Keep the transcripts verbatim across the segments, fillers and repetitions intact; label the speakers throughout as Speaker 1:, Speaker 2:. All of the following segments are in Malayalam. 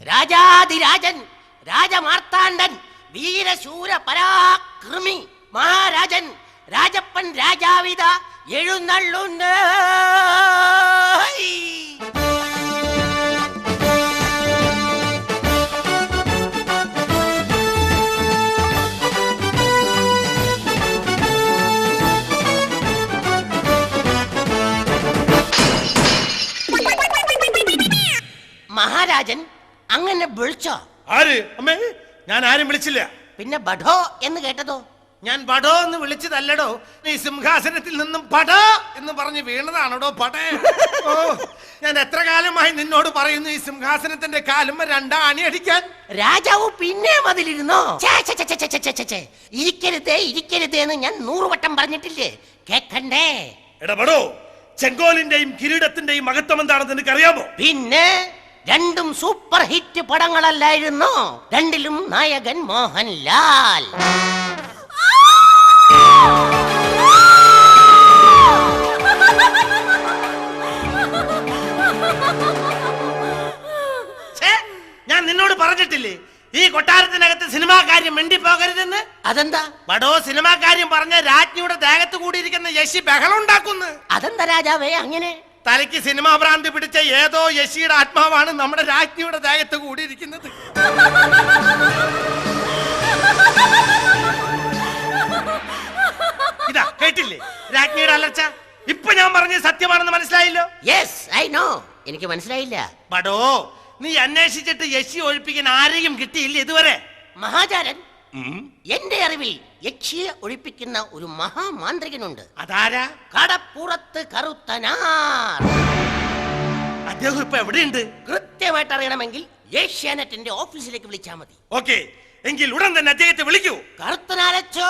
Speaker 1: രാജാധിരാജൻ, രാജമാർത്താണ്ഡൻ, വീരശൂര പരാക്രമി മഹാരാജൻ രാജപ്പൻ രാജാവിത എഴുന്നള്ളുണ്ട്. മഹാരാജൻ അങ്ങനെ വിളിച്ചോ?
Speaker 2: ആര്? അമ്മേ, ഞാൻ ആരും വിളിച്ചില്ല.
Speaker 1: പിന്നെ ബഡോ എന്ന് കേട്ടതോ?
Speaker 2: ഞാൻ ബഡോ എന്ന് വിളിച്ചതല്ലടോ, നീ സിംഹാസനത്തിൽ നിന്നും പട എന്ന് പറഞ്ഞ് വീണതാണോടോ പടേ. ഓ, ഞാൻ എത്ര കാലമായി നിന്നോട് പറയുന്നു ഈ സിംഹാസനത്തിന്റെ കാലുമ്മ രണ്ടാണി അടിക്കാൻ.
Speaker 1: രാജാവ് പിന്നെ അതിലിരുന്നോ? ഇരിക്കരുതേ ഇരിക്കരുതേ എന്ന് ഞാൻ നൂറുവട്ടം പറഞ്ഞിട്ടില്ലേ, കേക്കണ്ടേ?
Speaker 2: എടാ ബഡോ, ചെങ്കോലിന്റെയും കിരീടത്തിന്റെയും മഹത്വം എന്താണെന്ന് നിനക്കറിയാമോ?
Speaker 1: പിന്നെ രണ്ടും സൂപ്പർ ഹിറ്റ് പടങ്ങളല്ലായിരുന്നു? രണ്ടിലും നായകൻ മോഹൻലാൽ.
Speaker 2: ഞാൻ നിന്നോട് പറഞ്ഞിട്ടില്ലേ ഈ കൊട്ടാരത്തിനകത്ത് സിനിമാ കാര്യം മിണ്ടി പോകരുതെന്ന്?
Speaker 1: അതെന്താ?
Speaker 2: ബഡോ, സിനിമാ കാര്യം പറഞ്ഞ രാജ്ഞിയുടെ ദേഹത്ത് കൂടിയിരിക്കുന്ന യശി ബഹളം ഉണ്ടാക്കുന്നു.
Speaker 1: അതെന്താ രാജാവേ അങ്ങനെ?
Speaker 2: തലയ്ക്ക് സിനിമാ ഭ്രാന്തി പിടിച്ച ഏതോ യശിയുടെ ആത്മാവാണ് നമ്മുടെ രാജ്ഞിയുടെ ദേഹത്ത് കൂടിയിരിക്കുന്നത്. ഇതാ കേട്ടില്ലേ രാജ്ഞിയുടെ അലർച്ച? ഇപ്പൊ ഞാൻ പറഞ്ഞത് സത്യമാണെന്ന് മനസ്സിലായില്ലോ?
Speaker 1: Yes, I know. എനിക്ക് മനസ്സിലായില്ല.
Speaker 2: ബഡോ, നീ അന്വേഷിച്ചിട്ട് യക്ഷി ഒഴിപ്പിക്കാൻ ആരെയും കിട്ടിയില്ല ഇതുവരെ?
Speaker 1: മഹാചാരൻ, എന്റെ അറിവിൽ യക്ഷിയെ ഒഴിപ്പിക്കുന്ന ഒരു മഹാമാന്ത്രികനുണ്ട്.
Speaker 2: അതാരാ?
Speaker 1: കടപ്പുറത്ത് കറുത്തനാർ.
Speaker 2: അദ്ദേഹം ഇപ്പൊ എവിടെയുണ്ട്?
Speaker 1: കൃത്യമായിട്ട് അറിയണമെങ്കിൽ ഏഷ്യാനെറ്റിന്റെ ഓഫീസിലേക്ക് വിളിച്ചാൽ മതി.
Speaker 2: ഓക്കെ, എങ്കിൽ ഉടൻ തന്നെ അദ്ദേഹത്തെ വിളിക്കൂ.
Speaker 1: കറുത്തനാരച്ചോ.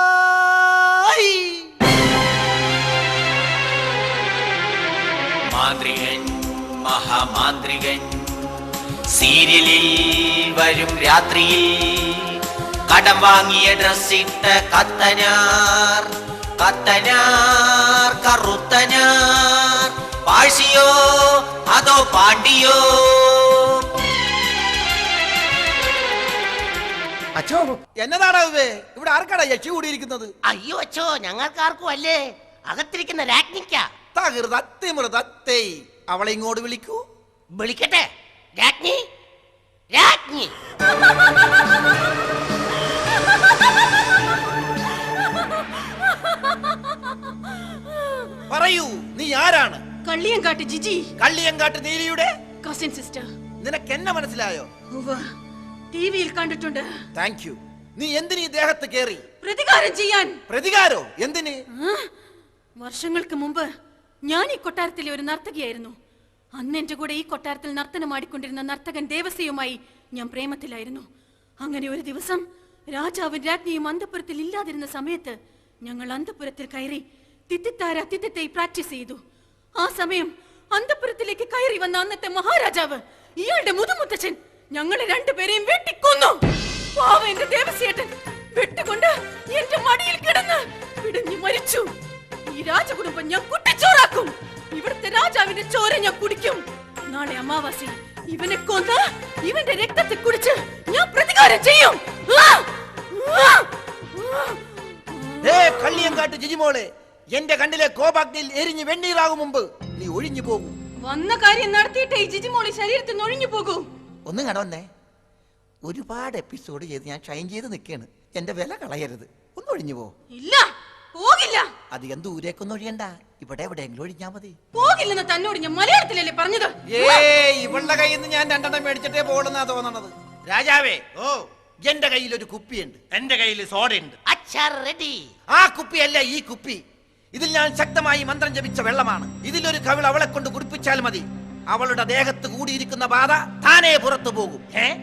Speaker 3: മാന്ത്രികൻ, മഹാമാന്ത്രികൻ, സീരിയലിൽ വരും രാത്രിയിൽ കടം വാങ്ങിയ ഡ്രസ്സിട്ട കത്തനാർ, കത്തനാർ കറുത്തനാർ. പാഴ്സിയോ അതോ പാണ്ടിയോ?
Speaker 4: അച്ഛോ, എന്നതാടാ ഇവിടെ? ആർക്കാടാ യക്ഷി കൂടിയിരിക്കുന്നത്?
Speaker 1: അയ്യോ അച്ഛോ, ഞങ്ങൾക്കാർക്കും അല്ലേ, അകത്തിരിക്കുന്ന രാജ്ഞിക്ക.
Speaker 4: അവളെ ഇങ്ങോട്ട് വിളിക്കൂ.
Speaker 1: വിളിക്കട്ടെ. രാജ്ഞി, രാജ്ഞി.
Speaker 4: പറയൂ, നീ ആരാണ്?
Speaker 5: കള്ളിയങ്കാട്ട് ജിജി.
Speaker 4: കള്ളിയങ്കാട്ട് നീലിയുടെ
Speaker 5: കസിൻ സിസ്റ്റർ.
Speaker 4: നിനക്ക് എന്നെ മനസ്സിലായോ?
Speaker 5: ടിവിയിൽ കണ്ടിട്ടുണ്ട്.
Speaker 4: Thank you. നീ എന്തിനീ ദേഹത്ത് കേറി?
Speaker 5: പ്രതികാരം ചെയ്യാൻ.
Speaker 4: പ്രതികാരോ? എന്തിന്?
Speaker 5: വർഷങ്ങൾക്ക് മുമ്പ് ഞാൻ ഈ കൊട്ടാരത്തിലെ ഒരു നർത്തകിയായിരുന്നു. അന്ന് എന്റെ കൂടെ ഈ കൊട്ടാരത്തിൽ നർത്തനമാടിക്കൊണ്ടിരുന്ന നർത്തകൻ ദേവസ്യയുമായി ഞാൻ പ്രേമത്തിലായിരുന്നു. അങ്ങനെ ഒരു ദിവസം രാജാവും രാജ്ഞിയും അന്തപുരത്തിൽ ഇല്ലാതിരുന്ന സമയത്ത് ഞങ്ങൾ അന്തപുരത്തിൽ കയറി തിത്തിത്താര തിത്തിത്തൈ പ്രാക്ടീസ് ചെയ്തു. ആ സമയം അന്തപുരത്തിലേക്ക് കയറി വന്ന അന്നത്തെ മഹാരാജാവ്, ഇയാളുടെ മുതുമുത്തച്ഛൻ, ഞങ്ങളെ രണ്ടുപേരെയും വെട്ടിക്കൊന്നു. പാവം എന്റെ ദേവസ്യേട്ടൻ വെട്ടുകൊണ്ട് എന്റെ മടിയിൽ കിടന്ന് പിടഞ്ഞു മരിച്ചു. ഈ രാജകുടുംബം ഞാൻ കുട്ടിച്ചോറാക്കും. ഇവിടുത്തെ രാജാവിന്റെ ചോര ഞാൻ കുടിക്കും. നാളെ അമാവാസി ഇവനെ കൊന്ന് ഇവന്റെ രക്തത്തെ കുടിച്ച് ഞാൻ പ്രതികാരം ചെയ്യും.
Speaker 4: കള്ളിയങ്കാട്ട് ജിജിമോളെ, എന്റെ കണ്ണിലെ കോപാഗ്നിയിൽ എരിഞ്ഞ് വെണ്ണീറാകും മുമ്പ് നീ ഒഴിഞ്ഞു പോകും.
Speaker 5: വന്ന കാര്യം നടത്തിയിട്ടേ ഈ ജിജിമോളി ശരീരത്തിൽ നിന്ന് ഒഴിഞ്ഞു പോകൂ.
Speaker 4: ഒന്നും കടവന്നേ, ഒരുപാട് എപ്പിസോഡ് ചെയ്ത് ഞാൻ ഷൈൻ ചെയ്ത് നിൽക്കാണ്. എന്റെ വില കളയരുത്, ഒന്ന് ഒഴിഞ്ഞു പോ.
Speaker 5: ഇല്ല, പോകില്ല.
Speaker 4: അധികം ദൂരേക്കൊന്നും ഒഴിയണ്ട, ഇവിടെ എവിടെയെങ്കിലും ഒഴിഞ്ഞാ മതി.
Speaker 5: പോകില്ലെന്ന് തന്നോട് ഞാൻ മലയാളത്തിലല്ലേ പറഞ്ഞത്?
Speaker 4: ഇവളുടെ കയ്യിൽ നിന്ന് ഞാൻ രണ്ടെണ്ണം മേടിച്ചിട്ടേ പോകണമെന്നാ തോന്നണത്. രാജാവേ, ഓ, എന്റെ കയ്യിൽ ഒരു കുപ്പിയുണ്ട്.
Speaker 2: എന്റെ കയ്യിൽ സോഡയുണ്ട്.
Speaker 1: റെഡി.
Speaker 4: ആ കുപ്പിയല്ല ഈ കുപ്പി. ഇതിൽ ഞാൻ ശക്തമായി മന്ത്രം ജപിച്ച വെള്ളമാണ്. ഇതിലൊരു കവിൾ അവളെ കൊണ്ട് കുടിപ്പിച്ചാൽ മതി. അവളുടെ ദേഹത്ത് കൂടിയിരിക്കുന്ന ബാധ താനേ പുറത്തു പോകും.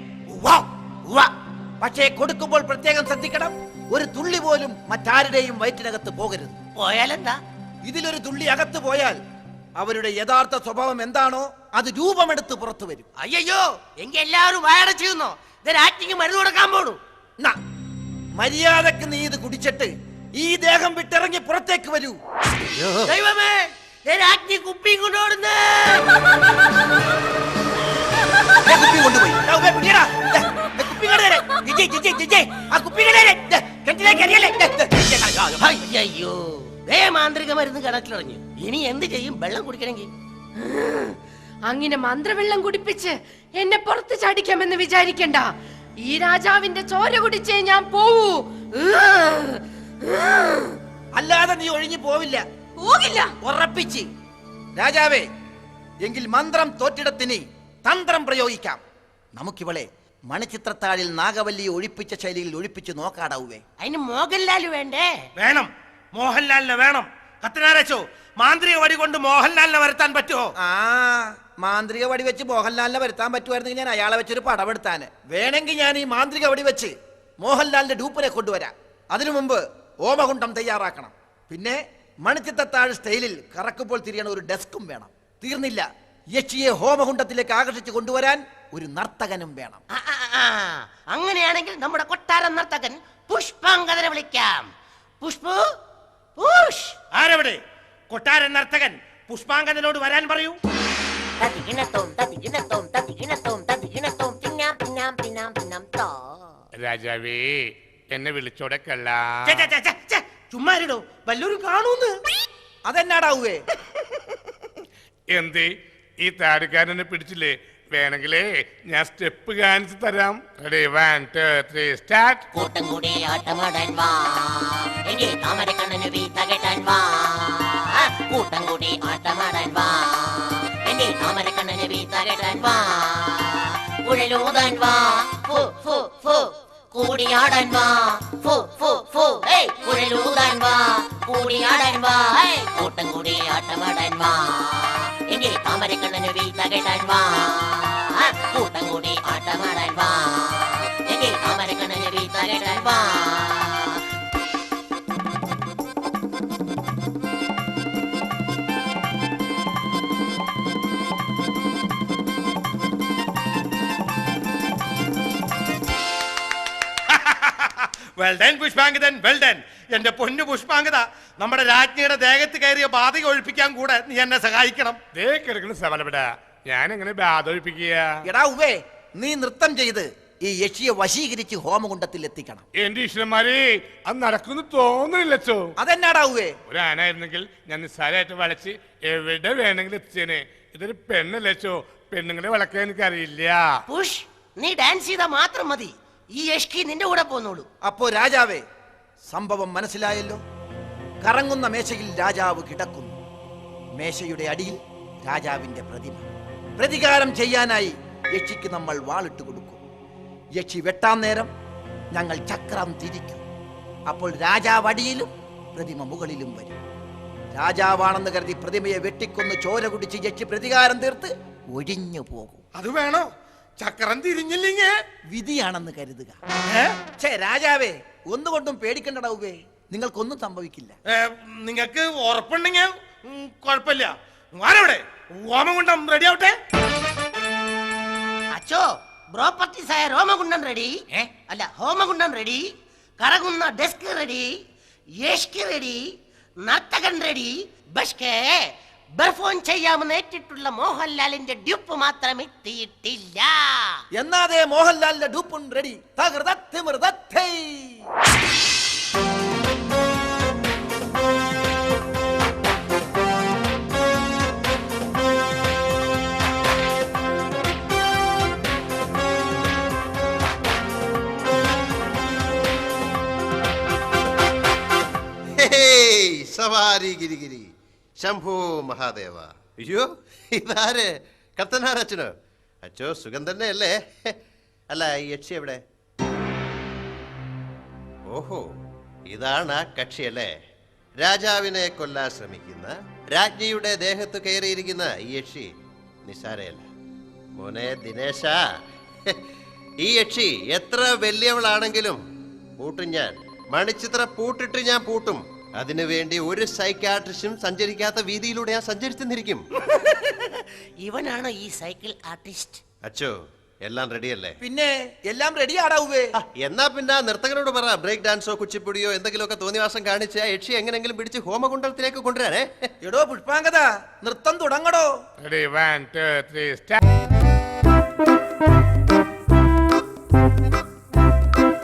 Speaker 4: പക്ഷേ കൊടുക്കുമ്പോൾ പ്രത്യേകം ശ്രദ്ധിക്കണം, ഒരു തുള്ളി പോലും മറ്റാരുടെയും വയറ്റിനകത്ത് പോകരുത്.
Speaker 1: പോയാലെന്താ?
Speaker 4: ഇതിലൊരു തുള്ളി അകത്ത് പോയാൽ അവരുടെ യഥാർത്ഥ സ്വഭാവം എന്താണോ അത് രൂപമെടുത്ത് പുറത്തു വരും.
Speaker 1: അയ്യോ, എങ്കിൽ എല്ലാവരും വായട ചെയ്യുന്നോ? രാജ്ഞിക്ക് മരുന്ന് കൊടുക്കാൻ പോണു.
Speaker 4: മര്യാദക്ക് നീ ഇത് കുടിച്ചിട്ട് ഈ ദേഹം വിട്ടിറങ്ങി പുറത്തേക്ക് വരൂ.
Speaker 1: ദൈവമേ, രാജ്ഞി കുപ്പിയും കൊണ്ടുപോടുന്നേ.
Speaker 4: കുപ്പി കൊണ്ടുപോയി ജി, ജി, ജി, ജി, ജി, ആ കുപ്പികളെ ദേ, കിണറ്റിലേക്ക് എറിയല്ലേ? ദേ, ദേ, ദേ, അയ്യോ, അയ്യോ.
Speaker 1: അയ്യോ ദേ മാന്ത്രിക മരുന്ന് കിണറ്റിലറിഞ്ഞു. ഇനി എന്ത് ചെയ്യും വെള്ളം കുടിക്കണമെങ്കിൽ?
Speaker 6: അങ്ങനെ മന്ത്രവെള്ളം കുടിപ്പിച്ച് എന്നെ പുറത്ത് ചാടിക്കാമെന്ന് വിചാരിക്കണ്ട. ഈ രാജാവിന്റെ ചോര കുടിച്ചേ ഞാൻ പോവൂ.
Speaker 4: അല്ലാതെ നീ ഒഴിഞ്ഞു പോവില്ല.
Speaker 5: പോകില്ല.
Speaker 4: ഉറപ്പിച്ച്. രാജാവേ, എങ്കിൽ മന്ത്രം തോറ്റിടത്തിന് തന്ത്രം പ്രയോഗിക്കാം. നമുക്കിവളെ മണിച്ചിത്രത്താഴിൽ നാഗവല്ലിയെ ഒഴിപ്പിച്ച ശൈലിയിൽ ഒഴിപ്പിച്ച് നോക്കാടാവേ.
Speaker 1: അതിന് മോഹൻലാൽ വേണ്ടേ?
Speaker 2: വേണം, മോഹൻലാലിനെ വേണം. കത്തനാരച്ചോ, മാന്ത്രിക വടി കൊണ്ട് മോഹൻലാലിനെ വരുത്താൻ പറ്റുമോ?
Speaker 4: ആ മാന്ത്രിക വടി വെച്ച് മോഹൻലാലിനെ വരുത്താൻ പറ്റുമായിരുന്നെങ്കിൽ ഞാൻ അയാളെ വെച്ചൊരു പടമെടുത്താന്. വേണമെങ്കിൽ ഞാൻ ഈ മാന്ത്രിക വടി വെച്ച് മോഹൻലാലിന്റെ ഡൂപ്പിനെ കൊണ്ടുവരാം. അതിനു മുമ്പ് ഓമകുണ്ടം തയ്യാറാക്കണം. പിന്നെ മണിച്ചിത്രത്താഴ് സ്റ്റൈലിൽ കറക്കുമ്പോൾ തിരിയണ ഒരു ഡെസ്കും വേണം. തീർന്നില്ല, യക്ഷിയെ ഹോമകുണ്ടത്തിലേക്ക് ആകർഷിച്ച് കൊണ്ടുവരാൻ ഒരു നർത്തകനും വേണം.
Speaker 1: ആ, ആ, ആ. അങ്ങനെയാണെങ്കിൽ നമ്മുടെ കൊട്ടാര നർത്തകൻ പുഷ്പാങ്കദനെ വിളിക്കാം. പുഷ്പു, പുഷ്.
Speaker 2: ആരവിടെ? കൊട്ടാരൻ നർത്തകൻ പുഷ്പാങ്കദനോട് വരാൻ പറയൂ.
Speaker 7: രാജാവേ, എന്നെ വിളിച്ചോടെ കള്ള.
Speaker 2: ഛെ, ഛെ, ഛെ, ഛെ, ഛെ, ചുമ്മാരിടോ, വല്ലവരും കാണൂന്ന്.
Speaker 4: അതെന്നാടാവേ?
Speaker 7: എന്തേ ഈ താടിക്കാരനെ പിടിച്ചില്ലേ? വേണമെങ്കിലേ ഞാൻ സ്റ്റെപ്പ് കാണിച്ചു തരാം. Ready, one two three start.
Speaker 3: കൂട്ടം കൂടി ആട്ടമാടാൻ വാ, എങ്കിൽ താമരക്കണ്ണന് വീത്ത കെട്ടാൻ വാ. കൂട്ടം കൂടി ആട്ടമാടാൻ വാ, എങ്കിൽ താമരക്കണ്ണന് വീത്ത കെട്ടാൻ വാ. കുഴലൂതാൻ വാ, ഫു ഫു ഫു കൂടിയാടാൻ വാ, ഫു ഫു ഫു ഏയ് കുഴലൂതാൻ വാ, കൂടിയാടാൻ വാ. കൂട്ടം കൂടി ആട്ടമാടാൻ വാ, എങ്കിൽ താമരക്കണ്ണന് വീത്ത കെട്ടാൻ വാ. കൂട്ടം കൂടി ആട്ടമാടാൻ വാ, എങ്കിൽ താമരക്കണ്ണന് വീത്ത കെട്ടാൻ വാ.
Speaker 2: Well done Pushpangadan, well done. എന്റെ പൊന്നു പുഷ്പാങ്കദ, നമ്മുടെ രാജ്ഞിയുടെ ദേഹത്ത് കയറിയ ബാധ ഒഴിപ്പിക്കാൻ കൂടെ നീ എന്നെ സഹായിക്കണം.
Speaker 7: ദേ കിടക്കുന്ന സവലപ്പെട, ഞാൻ എങ്ങനെ ബാധൊഴിപ്പിക്കുക?
Speaker 4: എടാ ഉവേ, നീ നൃത്തം ചെയ്ത് ഈ യക്ഷിയെ വശീകരിച്ച് ഹോമകുണ്ടത്തിൽ എത്തിക്കണം.
Speaker 7: എന്റെ ഈശ്വരന്മാരെ, അത് നടക്കുന്നു തോന്നുന്നില്ലച്ചോ.
Speaker 4: അതെന്നാടാ ഉവേ?
Speaker 7: ഒരു ആനായിരുന്നെങ്കിൽ ഞാൻ നിസ്സാരമായിട്ട് വളച്ച് എവിടെ വേണമെങ്കിലും എത്തിച്ചേനെ. ഇതൊരു പെണ്ണല്ലച്ചോ, പെണ്ണുങ്ങളെ വളക്കാൻ എനിക്കറിയില്ല.
Speaker 1: പുഷ്, നീ ഡാൻസ് ചെയ്താൽ മാത്രം മതി. ഈ യഷ്കി നിന്റെ കൂടെ പോന്നോളൂ.
Speaker 4: അപ്പോ രാജാവേ, സംഭവം മനസ്സിലായല്ലോ. കറങ്ങുന്ന മേശയിൽ രാജാവ് കിടക്കുന്നു. മേശയുടെ അടിയിൽ രാജാവിന്റെ പ്രതിമ. പ്രതികാരം ചെയ്യാനായി യക്ഷിക്ക് നമ്മൾ വാളിട്ട് കൊടുക്കും. യക്ഷി വെട്ടാൻ നേരം ഞങ്ങൾ ചക്രം തിരിക്കും. അപ്പോൾ രാജാവ് അടിയിലും പ്രതിമ മുകളിലും വരും. രാജാവാണെന്ന് കരുതി പ്രതിമയെ വെട്ടിക്കൊന്ന് ചോര കുടിച്ച് യക്ഷി പ്രതികാരം തീർത്ത് ഒഴിഞ്ഞു പോകും.
Speaker 2: അത് വേണോ? ചക്രം തിരിഞ്ഞില്ലെങ്കിൽ
Speaker 4: വിധിയാണെന്ന് കരുതുക.
Speaker 2: ഏ?
Speaker 4: ഛേ രാജാവേ, ഒന്നുകൊണ്ടും പേടിക്കണ്ടടാവേ, നിങ്ങൾക്കൊന്നും സംഭവിക്കില്ല.
Speaker 2: ഏ, നിങ്ങക്ക് ഉറപ്പുണ്ടെങ്കിൽ ഉം, കുഴപ്പമില്ല. ആരവിടെ? ഓമകുണ്ടം റെഡി ആവട്ടെ.
Speaker 1: അച്ചോ, പ്രോപ്പർട്ടീസ് ആയ രോമകുണ്ടം റെഡി. അല്ല, ഹോമകുണ്ടം റെഡി, കറങ്ങുന്ന ഡെസ്ക് റെഡി, യഷ്കി റെഡി, നർത്തകൻ റെഡി. ബഷ്കേ പെർഫോം ചെയ്യാമെന്ന് ഏറ്റിട്ടുള്ള മോഹൻലാലിന്റെ ഡ്യൂപ്പ് മാത്രം എത്തിയിട്ടില്ല.
Speaker 4: എന്നാതെ മോഹൻലാലിന്റെ ഡൂപ്പും റെഡി. തകൃതത്തിമൃതത്തൈ.
Speaker 8: സവാരി ഗിരിഗിരി ശംഭോ മഹാദേവ. അയ്യോ, ഇതാര്? കത്തനാരച്ചനോ? അച്ചോ, സുഖം തന്നെ അല്ലേ? അല്ല, ഈ യക്ഷി എവിടെ? ഓഹോ, ഇതാണ് ആ കക്ഷിയല്ലേ? രാജാവിനെ കൊല്ലാൻ ശ്രമിക്കുന്ന, രാജ്ഞിയുടെ ദേഹത്ത് കയറിയിരിക്കുന്ന ഈ യക്ഷി നിസാരയല്ല. മോനെ ദിനേശ, ഈ യക്ഷി എത്ര വലിയവളാണെങ്കിലും പൂട്ടും ഞാൻ. മണിച്ചിത്ര പൂട്ടിട്ട് ഞാൻ പൂട്ടും. അതിനുവേണ്ടി ഒരു സൈക്കാട്രിസ്റ്റും സഞ്ചരിക്കാത്ത വീതിയിലൂടെ ഞാൻ സഞ്ചരിച്ചെന്നിരിക്കും.
Speaker 1: ഇവനാണ് ഈ സൈക്കിൾ ആർട്ടിസ്റ്റ്.
Speaker 8: അച്ചോ, എല്ലാം റെഡിയല്ലേ?
Speaker 4: പിന്നെ എല്ലാം റെഡി ആടാവേ.
Speaker 8: എന്നാ പിന്നെ നർത്തകരോട് പറ, ബ്രേക്ക് ഡാൻസോ കുച്ചിപ്പുടിയോ എന്തെങ്കിലുമൊക്കെ തോന്നിവാസം കാണിച്ച് ആ യക്ഷി എങ്ങനെങ്കിലും പിടിച്ച് ഹോമകുണ്ടത്തിലേക്ക് കൊണ്ടുവരാനേ.
Speaker 4: എടോ പുഷ്പാങ്കദ, നൃത്തം തുടങ്ങടോ.
Speaker 7: Ready, one two three start.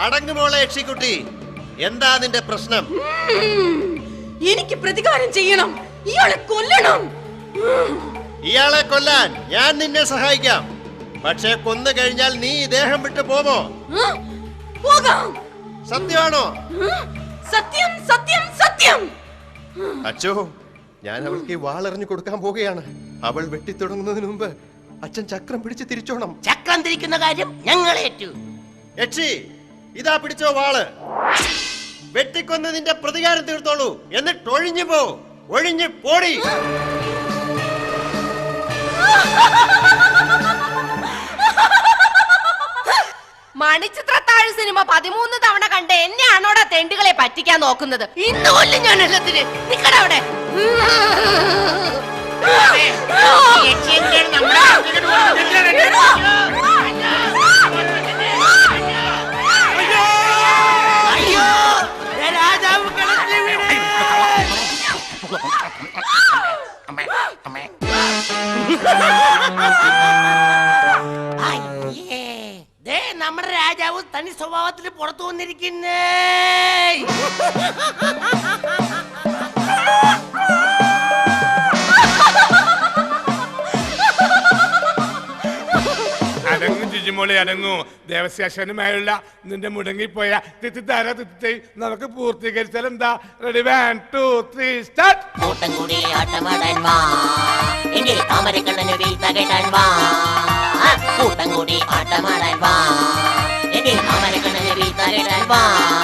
Speaker 8: അടങ്ങുമോളെ യക്ഷിക്കുട്ടി, എന്താ നിന്റെ പ്രശ്നം?
Speaker 5: എനിക്ക് പ്രതികാരം ചെയ്യണം, ഇയാളെ കൊല്ലണം.
Speaker 8: ഇയാളെ കൊല്ലാൻ ഞാൻ നിന്നെ സഹായിക്കാം. പക്ഷെ കൊന്നു കഴിഞ്ഞാൽ നീ ഈ ദേഹം വിട്ടു പോമോ?
Speaker 5: പോകാം.
Speaker 8: സത്യമാണോ?
Speaker 5: സത്യം, സത്യം, സത്യം.
Speaker 8: അച്ചോ, ഞാൻ അവൾക്ക് ഈ വാളെറിഞ്ഞു കൊടുക്കാൻ പോവുകയാണ്. അവൾ വെട്ടിത്തുടങ്ങുന്നതിന് മുമ്പ് അച്ഛൻ ചക്രം പിടിച്ച് തിരിച്ചോണം.
Speaker 1: ചക്രം തിരിക്കുന്ന കാര്യം ഞങ്ങളേറ്റു.
Speaker 8: യക്ഷി, ഇതാ പിടിച്ചോ വാള്. വെട്ടിക്കൊന്ന് നിന്റെ പ്രതികാരം തീർത്തോളൂ. എന്നിട്ട് ഒഴിഞ്ഞു പോ, ഒഴിഞ്ഞു പോടി.
Speaker 6: മണിച്ചിത്രത്താഴ് സിനിമ പതിമൂന്ന് തവണ കണ്ട് എന്നെയാണോടാ തെണ്ടുകളെ പറ്റിക്കാൻ നോക്കുന്നത്? ഇന്ന് കൊല്ലും ഞാൻ എല്ലാത്തിന്. നിക്കടവിടെ.
Speaker 1: അയ്യോ, രാജാവ് കിണറ്റിൽ വീണ്. അയ്യേ, ദേ നമ്മുടെ രാജാവ് തനി സ്വഭാവത്തിൽ പുറത്തു വന്നിരിക്കുന്നേ.
Speaker 7: അടങ്ങും ജിജിമോളി അടങ്ങൂ. ദേവസ്യാശനുമായുള്ള നിന്റെ മുടങ്ങിപ്പോയ തിത്തിത്താര തിത്തി നമുക്ക് പൂർത്തീകരിച്ചാൽ എന്താ? Ready, one two three start.
Speaker 3: കൂട്ടം കൂടി ആട്ടമാടാൻ വാ, എങ്കിൽ താമരക്കണ്ണന് വീഴ്ത്ത കേട്ടാൻ വാ. കൂട്ടം കൂടി ആട്ടമാടാൻ വാ, എങ്കിൽ താമരക്കണ്ണന് വീഴ്ത്ത കേട്ടാൻ വാ.